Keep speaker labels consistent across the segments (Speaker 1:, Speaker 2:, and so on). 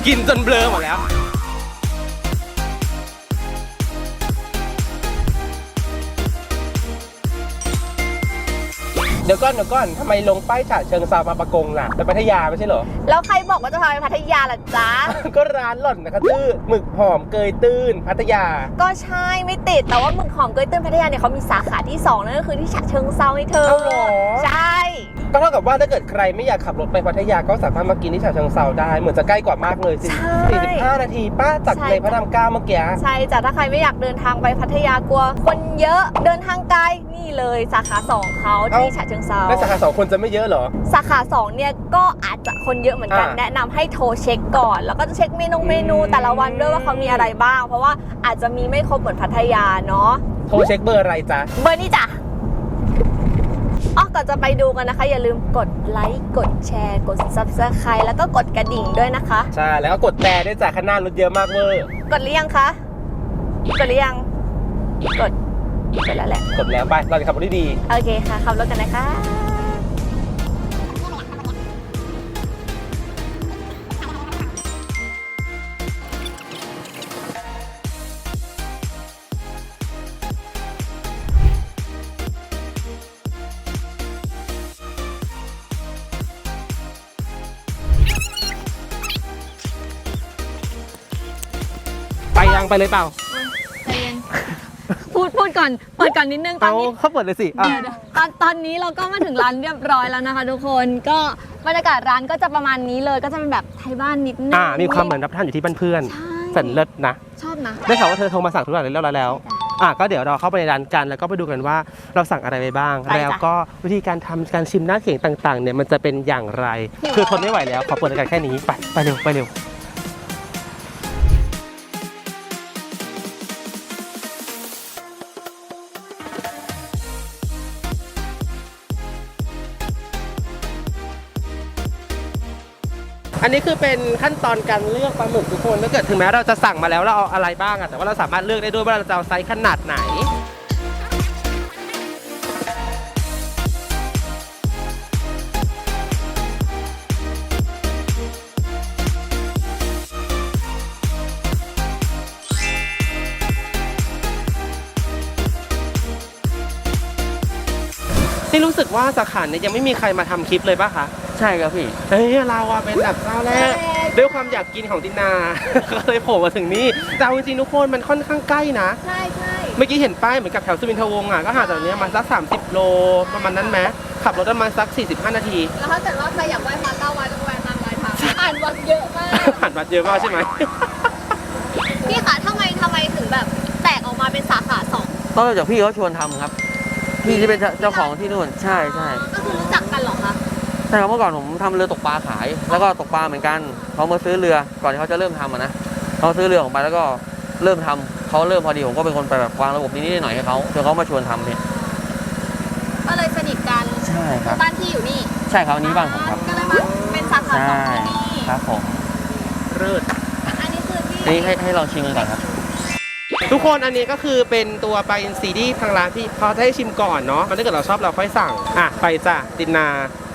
Speaker 1: กินจนเบลอหมดแล้วเดี๋ยวก่อนทำไมลงป้ายฉะเชิงเทรามาปะกงล่ะไปพัทยาไม่ใช่เหรอ
Speaker 2: แล้วใครบอกว่าจะพาไปพัทยาล่ะจ๊ะ
Speaker 1: ก็ร้านหล่อนนะคะชื่อหมึกหอมเกยตื้นพัทยาก็
Speaker 2: ใช่ไม่ติดแต่ว่าหมึกหอมเกยตื้นพัทยาเนี่ยเขามีสาขาที่2นั่นก็คือที่ฉะเชิงเทราให้เธอใช่
Speaker 1: ก็เท่ากับว่าถ้าเกิดใครไม่อยากขับรถไปพัทยาก็สามารถมากินที่ฉะเชิงเทราได้เหมือนจะใกล้กว่ามากเลย45 นาทีป้าจากในพระราม9เมื่อกี้
Speaker 2: ใช่จ้ะถ้าใครไม่อยากเดินทางไปพัทยากลัวคนเยอะเดินทางไกลนี่เลยสาขา2เขาที่ฉะเชิงเทรา
Speaker 1: แล้วสาขา2คนจะไม่เยอะเหรอ
Speaker 2: สาขา2เนี่ยก็อาจจะคนเยอะเหมือนกันแนะนำให้โทรเช็คก่อนแล้วก็จะเช็คเมนูแต่ละวันด้วยว่าเขามีอะไรบ้างเพราะว่าอาจจะมีไม่ครบเหมือนพัทยาเนาะ
Speaker 1: โทรเช็คเบอร์อะไรจ๊ะ
Speaker 2: เบอร์นี้จ้ะก่อนจะไปดูกันนะคะอย่าลืมกดไลค์กดแชร์กด Subscribe แล้วก็กดกระดิ่งด้วยนะคะ
Speaker 1: ใช่แล้วก็กดแต่ด้วยจ้ะข้างหน้ารถเยอะมากเวอร์
Speaker 2: กดหรือยังคะกดหรือยังกดแล้วแหละ
Speaker 1: กดแล้วไปเราจะขับรถดี
Speaker 2: โอเคค่ะขับรถกันนะคะ
Speaker 1: ไปเลยเปล่า
Speaker 2: พูดก่อนเปิดก่อนนิดนึงตอนนี้
Speaker 1: เขาเปิดเลยสิ
Speaker 2: ตอนนี้เราก็มาถึงร้านเรียบร้อยแล้วนะคะทุกคนก็บรรยากาศร้านก็จะประมาณนี้เลยก็จะเป็นแบบไทยบ้านนิดนึง
Speaker 1: มีความเหมือนรับประทานอยู่ที่บ้านเพื่อนสันเลิศนะ
Speaker 2: ชอบนะ
Speaker 1: ได้ข่าวว่าเธอโทรมาสั่งทุกอย่างเรียบร้อยแล้วก็เดี๋ยวเราเข้าไปในร้านกันแล้วก็ไปดูกันว่าเราสั่งอะไรไปบ้างแล้วก็วิธีการทำการชิมหน้าเขียงต่างๆเนี่ยมันจะเป็นอย่างไรคือทนไม่ไหวแล้วขอเปิดรายการแค่นี้ไปเร็วอันนี้คือเป็นขั้นตอนการเลือกปลาหมึกทุกคนถ้าเกิดถึงแม้เราจะสั่งมาแล้วเราเอาอะไรบ้างแต่ว่าเราสามารถเลือกได้ด้วยว่าเราจะเอาไซส์ขนาดไหนนี่รู้สึกว่าสาขาเนี่ยยังไม่มีใครมาทำคลิปเลยป่ะคะ
Speaker 3: ใช่ครับพี่
Speaker 1: เราเป็นแบบเจ้าแรกด้วยความอยากกินของตินาก็เลยโผล่มาถึงนี่แต่จริงๆทุกคนมันค่อนข้างใกล้นะ
Speaker 2: ใช่
Speaker 1: เมื่อกี้เห็นป้ายเหมือนกับแถวสุวินทวงศ์ก็ห่างจากนี้มาสัก30 โลประมาณนั้นไหมขับรถประมาณสัก45 นาที
Speaker 2: แล้วถ้าเกิดว่าใครอยากไหว้พระ9 วันต้องไหว้ตามรอยทางอ่านวัดเยอะมาก
Speaker 1: อ่านวัดเยอะมากใช่ไหม
Speaker 2: พี่คะทำไมถึงแบบแตกออกมาเป็นสาขา2
Speaker 3: ก็จากพี่เขาชวนทำครับพี่ที่เป็นเจ้าของที่นู่นใช่
Speaker 2: ก็คือรู้จักกันเหรอคะ
Speaker 3: ใช่ครับเมื่อก่อนผมทำเรือตกปลาขายแล้วก็ตกปลาเหมือนกันเขามาซื้อเรือก่อนที่เขาจะเริ่มทำนะเขาซื้อเรือออกไปแล้วก็เริ่มทำเขาเริ่มพอดีผมก็เป็นคนไปแบบวางระบบนิดหน่อยให้เขาจนเขามาชวนทำเนี่ย
Speaker 2: ก็เลยสนิทกัน
Speaker 3: ใช่ครับ
Speaker 2: บ้านที่อยู่นี่
Speaker 3: ใช่ครับนี้บ้านผมครับ
Speaker 2: ก็เลยมาเป็นสาขา2ที่นี่
Speaker 3: ครับผม
Speaker 1: เลิศ
Speaker 2: อันนี้คือที่
Speaker 3: นี่ให้ลองชิมกันก่อนครับ
Speaker 1: ทุกคนอันนี้ก็คือเป็นตัวปลาอินทรีที่ทางร้านพี่เขาจะให้ชิมก่อนเนาะมันถ้าเกิดเราชอบเราค่อยสั่งไปจ้ะตินา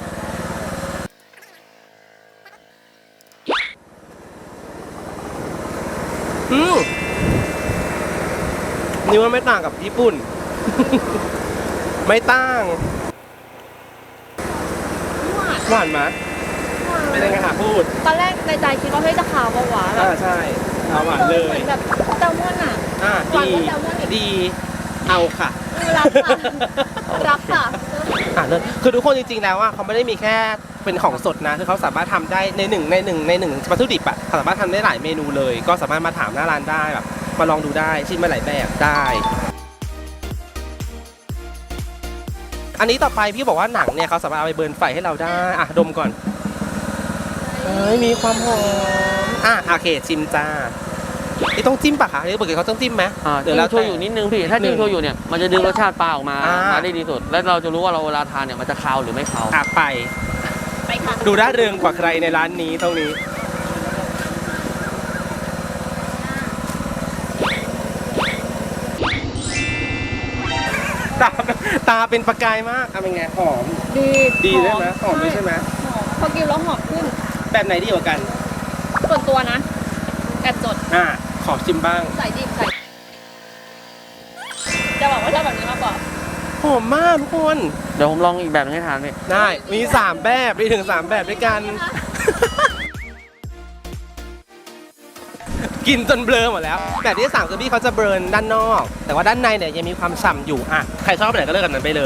Speaker 1: นี่ว่าไม่ต่างกับญี่ปุ่น ไม่ต่างหวานไหมเป็นยังไงพูด
Speaker 2: ตอนแรกในใจคิดว่าเฮ้ยจะขาวเบาหวาน
Speaker 1: ใช่ขาวหวานเลย
Speaker 2: เหมือนแบบแซลมอน
Speaker 1: ดีเอาค่ะ
Speaker 2: รับค่ะ
Speaker 1: เลยคือทุกคนจริงๆแล้วเขาไม่ได้มีแค่เป็นของสดนะคือเขาสามารถทำได้ในหนึ่งวัตถุดิบสามารถทำได้หลายเมนูเลยก็สามารถมาถามหน้าร้านได้แบบมาลองดูได้ชิมมาหลายแบบได้อันนี้ต่อไปพี่บอกว่าหนังเนี่ยเขาสามารถเอาไปเบิร์นไฟให้เราได้ดมก่อนมีความหอมโอเคชิมจ้าต้องจิ้มปะคะหรือปกติเขาต้องจิ้มไหม
Speaker 3: เดี๋ยวเราโชยุนิดนึงพี่ถ้าจิ้มโชยุเนี่ยมันจะดึงรสชาติปลาออกมาได้ดีสุดและเราจะรู้ว่าเราเวลาทานเนี่ยมันจะคาวหรือไม่คาว
Speaker 1: ไปค่ะดูร่าเริงกว่าใครในร้านนี้ตรงนี้ตาเป็นประกายมากเป็นไงหอมดีได้ไหมหอมด้วยใช่ไหม
Speaker 2: พอกินแล้วหอมขึ้น
Speaker 1: แบบไหนดีกว่ากัน
Speaker 2: ส่วนตัวนะแอบจด
Speaker 1: ขอชิมบ้าง
Speaker 2: ใส่ดิบใส่จะบอกว่าชอบแบบนี้มากกว่า
Speaker 1: หอมมากทุกคน
Speaker 3: เดี๋ยวผมลองอีกแบบนึงให้ทานพี่
Speaker 1: ได้มี3แบบมีถึง3แบบด้วยกัน กินจนเบลอหมดแล้วแบบที่3คือพี่เขาจะเบิร์นด้านนอก แต่ว่าด้านในเนี่ยยังมีความฉ่ำอยู่ใครชอบแบบไหนก็เลือกกันนั้นไปเลย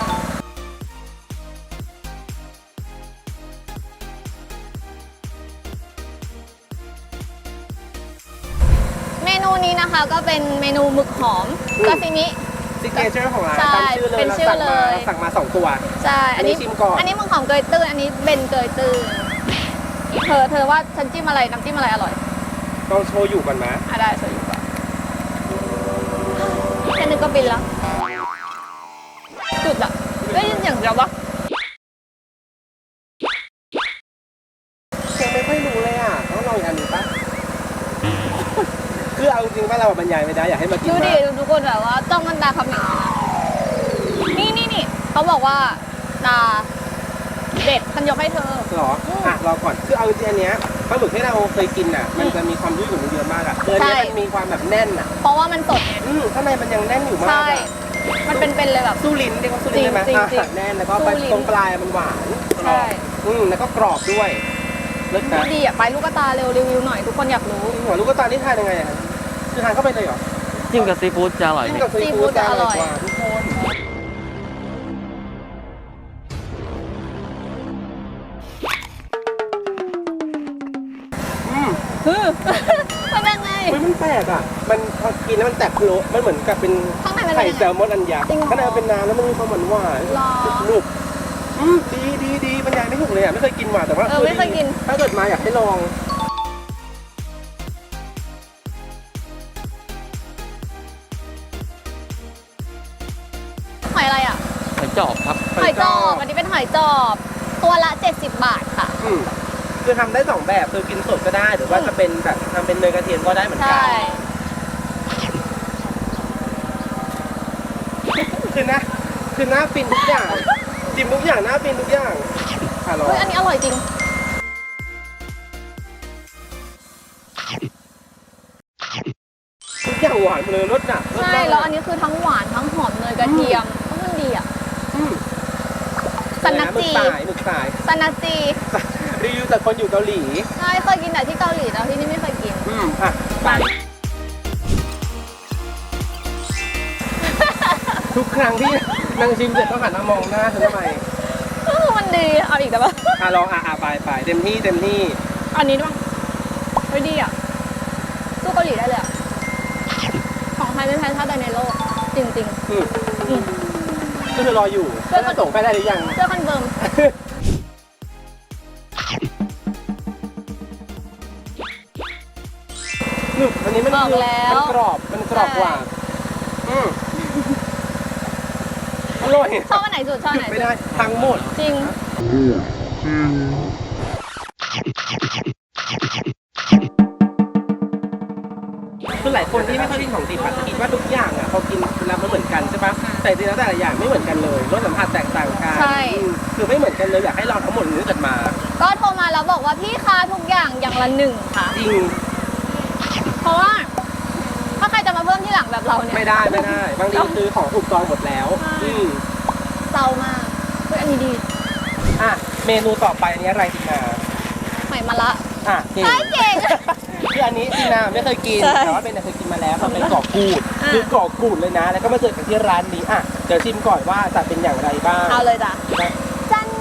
Speaker 2: เมนูนี้นะคะก็เป็นเมนูหมึกหอมซาซิมิ
Speaker 1: ซิกเนเจอร์ของร้าน
Speaker 2: ใช่
Speaker 1: ตามชื่อเลย
Speaker 2: เป็นชื่อเลย
Speaker 1: เราสั่งมา2 ตัว
Speaker 2: ใช่
Speaker 1: อันนี้ชิมก่อน
Speaker 2: อันนี้หมึกหอมเกยตื้นอันนี้เบนเกยตื้นเธอว่าฉันจิ้มอะไรน้ำจิ้มอะไรอร่อย
Speaker 1: ต้องโชยุก่อนไหม
Speaker 2: ได้ช่วยอยู่ก่อนแค่นึงก็บินแล้วจุดอะได้ยินอย่างเดียวปะ
Speaker 1: ยังไม่ค่อยรู้เลยต้องลองอีกอันหนึ่งปะ คือเอาจริงๆว่าเราบรรยายไม่ได้อยากให้มากิน
Speaker 2: ดูดิ
Speaker 1: มาก
Speaker 2: ดูทุกคนแบบว่าจ้องมันตาคำหนึ่งนี่เขาบอกว่าตาเด็ดฉันยกให้เธอ
Speaker 1: เหรอรอก่อนคือเอาจริงๆอันเนี้ยปลาหมึกที่เราเคยกินมันจะมีความยุ่ยของมันเยอะมากเนื้อ
Speaker 2: ใช่
Speaker 1: เนี้ยมันมีความแบบแน่น
Speaker 2: เพราะว่ามันสดไง
Speaker 1: ข้างในมันยังแน่นอยู่มาก
Speaker 2: ใช่ มันเป็นเลยแบบ
Speaker 1: สู้ลิ้นเรียกว่าสู้ลิ้นได้ไหม
Speaker 2: จริงๆ
Speaker 1: แน่นแล้วก็
Speaker 2: สู้ลิ้น
Speaker 1: ตรงปลายมันหวาน
Speaker 2: ใช่
Speaker 1: แล้วก็กรอบด้วยเลิศนะ
Speaker 2: ดีอ่ะไปลูกตาเร็วรีวิวหน่อยทุกคนอยากรู้
Speaker 1: หัวลูกตานี่ทานยังไงคือทานเข้าไปเลยเหรอ
Speaker 3: จิ้มกับซีฟู้ดจะอร่อย
Speaker 1: จิ้ม
Speaker 3: พี่
Speaker 1: กับซีฟู้ดจะอร่อยกว่าทุกคน
Speaker 2: มันเป็นไง
Speaker 1: มันแปลกมันพอกินแล้วมันแตกโคลมันเหมือนกับเป็น
Speaker 2: ข้างในมันเป็น
Speaker 1: ไข่
Speaker 2: ยัง
Speaker 1: แซ
Speaker 2: ไง
Speaker 1: ลมอนอันยักษ์
Speaker 2: จริงเหรอ
Speaker 1: ข้างในมันเป็นน้ำแล้วมันมีความหวาน
Speaker 2: หรอ
Speaker 1: ๆลูกดีบรรยายไม่ถูกเลยไม่เคยกินมาแต่ว่า
Speaker 2: ไม่เคยกิน
Speaker 1: ถ้าเกิดมาอยากให้ลอง
Speaker 2: หอยอะไรอ่ะ
Speaker 3: หอยจอบครับ
Speaker 2: หอยจอบอันนี้เป็นหอยจอบ ตัวละ70 บาทค่ะ
Speaker 1: คือทำได้2แบบคือกินสดก็ได้หรือว่าจะเป็นแบบทำเป็นเนยกระเทียมก็ได้เหมือนกั
Speaker 2: ใช่
Speaker 1: คือหน้าฟินทุกอย่างจิ้มทุกอย่างหน้าฟินทุกอย่างลอง
Speaker 2: เฮ้ยอันนี้อร่อยจริง
Speaker 1: ทุกอย่างหวานเลยรสหนัก
Speaker 2: ใช่แล้วอันนี้คือทั้งหวานทั้งหอมเนยกระเทียมมันดีอ่ะซันนักจี
Speaker 1: หมึกสาย
Speaker 2: ซันนักจี
Speaker 1: รีวิวจากคนอยู่เกาหลี
Speaker 2: ใช่เคยกินแต่ที่เกาหลีแล้วที่นี่ไม่เคยกิน
Speaker 1: ไปทุกครั้งที่นางชิมเสร็จต้องหันมามองหน้าฉันทำไม
Speaker 2: มันดีเอาอีกแต่ว่า
Speaker 1: ลองไปเต็มที่
Speaker 2: อันนี้ด้วยไม่ดีอ่ะสู้เกาหลีได้เลยอ่ะของไทยไม่แพ้ชาติใดในโลกจริง
Speaker 1: ก็คือรออยู่จะส่งไปได้หรือยัง
Speaker 2: ๆเสื้อคอนเฟิร์ม
Speaker 1: อันนี้มัน
Speaker 2: บอกแล้ว
Speaker 1: มันกรอบกว่าอร่อย
Speaker 2: ชอบอันไหนสุดชอบอันไหน
Speaker 1: ไม่
Speaker 2: สุด
Speaker 1: ได้ทั้งหมด
Speaker 2: จริง
Speaker 1: คือหลายคนที่ไม่ค่อยกินของดิบจะคิดว่าทุกอย่างพอกินแล้วมันเหมือนกันใช่ปะแต่จริงแล้วแต่ละอย่างไม่เหมือนกันเลยรสสัมผัสแตกต่างกัน
Speaker 2: ใช่
Speaker 1: คือไม่เหมือนกันเลยอยากให้ลองทั้งหมดนี้เกิดมา
Speaker 2: ก็โทรมาแล้วบอกว่าพี่คะทุกอย่างอย่างละ1ค่ะ
Speaker 1: จริง
Speaker 2: เพราะว่าถ้าใครจะมาเพิ่มที่หลังแบบเราเนี่ย
Speaker 1: ไม่ได้บางทีซื้อของถูกจองหมดแล้ว
Speaker 2: เศร้ามากเฮ้ยอันนี้ดี
Speaker 1: เมนูต่อไปอันนี้อะไรตินา
Speaker 2: หอยมะระ
Speaker 1: เก่ง
Speaker 2: ใช่เก่ง
Speaker 1: คืออันนี้ตินาไม่เคยกิน
Speaker 2: ใช่
Speaker 1: แต่ว่าเป็นเคยกินมาแล้วมันเป็นกรอบกูดคือกรอบกูดเลยนะ แล้วก็มาเจอกันที่ร้านนี้เดี๋ยวชิมก่อนว่าจะเป็นอย่างไรบ้าง
Speaker 2: เอาเลยจ้ะจัน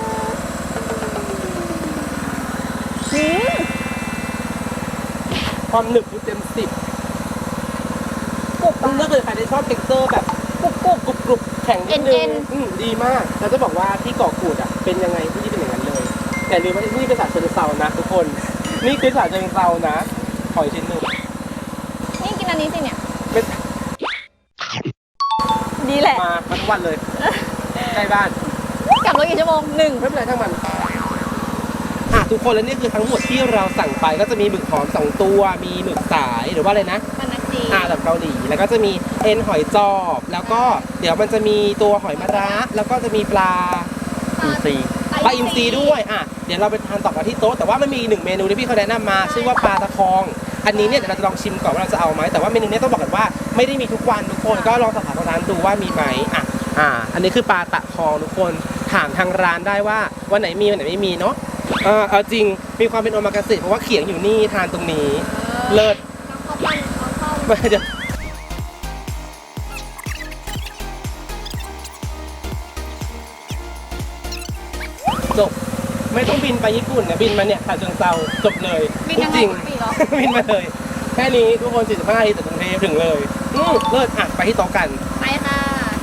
Speaker 1: ความหนึบอยู่เต็ม10ถ้าเกิดใครได้ชอบเท็กเจอร์แบบกรุบแข็งนิดนึงดีมากเราจะบอกว่าที่เกาะกูดเป็นยังไงที่นี่เป็นอย่างนั้นเลย แต่ลืมว่าที่นี่เป็นฉะเชิงเทรานะทุกคน นี่คือฉะเชิงเทรานะหอยชิ้นหนึ่ง
Speaker 2: นี่กินอันนี้สิเนี่ย
Speaker 1: เป็น
Speaker 2: ดีแหละ
Speaker 1: มาทั้งวันเลยใกล้บ้าน
Speaker 2: กลับรถกี่ชั่วโมง1
Speaker 1: ไม่เป็นไรทั้งมันทุกคนแล้วนี่คือทั้งหมดที่เราสั่งไปก็จะมีหมึกหอม2 ตัวมีหมึกสายหรือว่าอะไรนะ
Speaker 2: มันนักจี
Speaker 1: แบบเกาหลีแล้วก็จะมีเอ็นหอยจอบแล้วก็เดี๋ยวมันจะมีตัวหอยมะระแล้วก็จะมีปลา
Speaker 3: อินซี
Speaker 2: ปลา
Speaker 1: ปลาอินทรีด้วยอ่ะเดี๋ยวเราไปทานต่อกันที่โต๊ะแต่ว่ามันมี1เมนูที่พี่เขาแนะนำมาชื่อว่าปลาตะคองอันนี้เนี่ยเดี๋ยวเราจะลองชิมก่อนว่าเราจะเอาไหมแต่ว่าเมนูนี้ต้องบอกกันว่าไม่ได้มีทุกวันทุกคนก็ลองสอบถามทางร้านดูว่ามีไหมอันนี้คือปลาตะคองทุกคนถามทางร้านได้ว่าวันไหนมีวันไหนไม่มีเนาะเอาจริงมีความเป็นโอมากาเสะเพราะว่าเขียงอยู่นี่ทานตรงนี้เลิศเดี๋ยวจบไม่ต้องบินไปญี่ปุ่นเนี่ยบินมาเนี่ยฉะเชิงเทราจบเลย
Speaker 2: บินยังไง
Speaker 1: จริง
Speaker 2: ปีเหรอ
Speaker 1: บินมาเลยแค่นี้ทุกคน45นาทีจากกรุงเทพถึงเลยเลิศไปที่โต๊ะกัน
Speaker 2: ไปค่ะ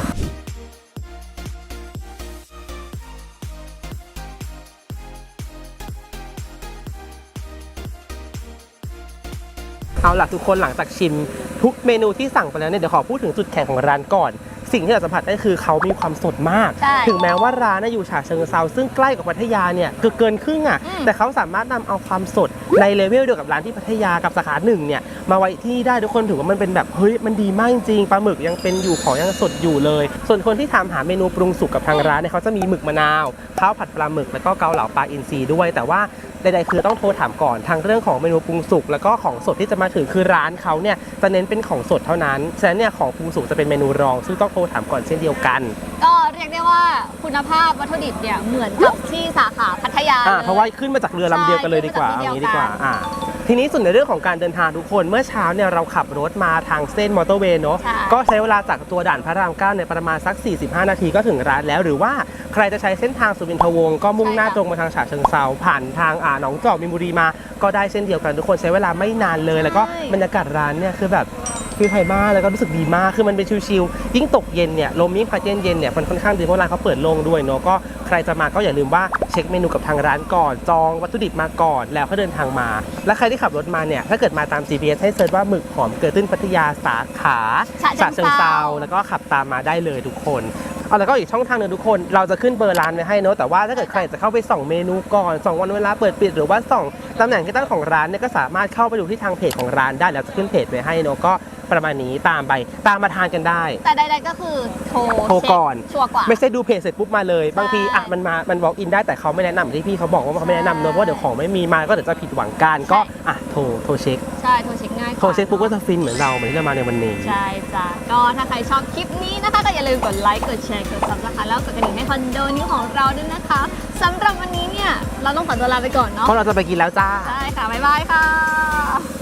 Speaker 1: เอาล่ะทุกคนหลังจากชิมทุกเมนูที่สั่งไปแล้วเนี่ยเดี๋ยวขอพูดถึงจุดแข็งของร้านก่อน สิ่งที่เราสัมผัสได้คือเขามีความสดมาก
Speaker 2: ใช่
Speaker 1: ถึงแม้ว่าร้านน่ะอยู่ฉะเชิงเทราซึ่งใกล้กับพัทยาเนี่ยเกินครึ่งอ่ะแต่เขาสามารถนำเอาความสดในเลเวลเดียวกับร้านที่พัทยากับสาขาหนึ่งเนี่ยมาไว้ที่ได้ทุกคนถือว่ามันเป็นแบบเฮ้ยมันดีมากจริงปลาหมึกยังเป็นอยู่ของยังสดอยู่เลย ส่วนคนที่ถามหาเมนูปรุงสุกกับทางร้านเนี่ยเขาจะมีหมึกมะนาวข้าวผัดปลาหมึกแล้วก็เกาเหลาปลาอินทรีด้วยแต่ว่าใดๆคือต้องโทรถามก่อนทางเรื่องของเมนูปรุงสุกแล้วก็ของสดที่จะมาถึงคือร้านเขาเนี่ยจะเน้นเป็นของสดเท่านั้นฉะนั้นเนี่ยของปรุงสุกจะเป็นเมนูรองซึ่งต้องโทรถามก่อนเช่นเดียวกัน
Speaker 2: ก็เรียกได้ว่าคุณภาพวัตถุดิบเนี่ยเหมือนกับที่สาขาพัทยาเลย
Speaker 1: เพราะว่าขึ้นมาจากเรือลำเดียวกันเลยดีกว่า
Speaker 2: ใช่
Speaker 1: เอางี้ดีกว่า
Speaker 2: ขึ้นมาจากที่เดียวกัน
Speaker 1: ทีนี้ส่วนในเรื่องของการเดินทางทุกคนเมื่อเช้าเนี่ยเราขับรถมาทางเส้นมอเตอร์เวย์เนาะ
Speaker 2: ใช่
Speaker 1: ก็ใช้เวลาจากตัวด่านพระราม9เนี่ยประมาณสัก 45 นาทีก็ถึงร้านแล้ว หรือว่าใครจะใช้เส้นทางสุวินทวงศ์ก็มุ่งหน้าตรงมาทางฉะเชิงเทราผ่านทางหนองจอกมีนบุรีมาก็ได้เช่นเดียวกันทุกคนใช้เวลาไม่นานเลย แล้วก็บรรยากาศร้านเนี่ยคือแบบฟิลไทยมากแล้วก็รู้สึกดีมากคือมันเป็นชิลๆยิ่งตกเย็นเนี่ยลมยิ่งพัดเย็นๆเนี่ยมันค่อนข้างดีเพราะร้านเขาเปิดโล่งด้วยเนาะก็ใครจะมาก็อย่าลืมว่าเช็คเมนูกับทางร้านก่อนจองวัตถุดิบมาก่อนแล้วก็เดินทางมาและใครที่ขับรถมาเนี่ยถ้าเกิดมาตาม GPS ให้เซิร์ชว่าหมึกหอมเกิดตื้นพัทยาสาขาฉะเชิงเทราแล้วก็ขับตามมาได้เลยทุกคนแล้วก็อีกช่องทางนึงทุกคนเราจะขึ้นเบอร์ร้านไว้ให้เนาะแต่ว่าถ้าเกิดใครจะเข้าไปส่องเมนูก่อนส่องวันเวลาเปิดปิดหรือว่าส่องตำแหน่งที่ตั้งของร้านเนี่ยก็สามารถเข้าไปดูที่ทางเพจของร้านได้แล้วจะขึ้นเพจไว้ให้เนาะก็ประมาณนี้ตามมาทานกันได้
Speaker 2: แต่ใดๆก็คือโทร
Speaker 1: โทรก่อน
Speaker 2: ชัวร์กว่า
Speaker 1: ไม่ใช่ดูเพจเสร็จปุ๊บมาเลยบางที
Speaker 2: ใช่
Speaker 1: มัน walk in ได้แต่เขาไม่แนะนำที่พี่เขาบอกว่าเขาไม่แนะนำเนอะเพราะเดี๋ยวของไม่มีมาก็เดี๋ยวจะผิดหวังกันก็โทรเช็ค
Speaker 2: ใช่โทรเช็คง่ายกว่า
Speaker 1: โทรเช็คปุ๊บก็จะฟินเหมือนเราเหมือนที่เรามาในวันนี้
Speaker 2: ใช่จ้ะก็ถ้าใครชอบคลิปนี้นะคะก็อย่าลืมกดไลค์กดแชร์กด Subscribe แล้วกดกระดิ่งในคอนโดนี้ของเราด้วยนะคะสำหรับวันนี้เนี่ยเราต้องขอตัวลาไปก่อนเนาะ
Speaker 1: เพราะเราจะไปกินแล้วจ้า
Speaker 2: ใช่ค่ะบ๊ายบายค่ะ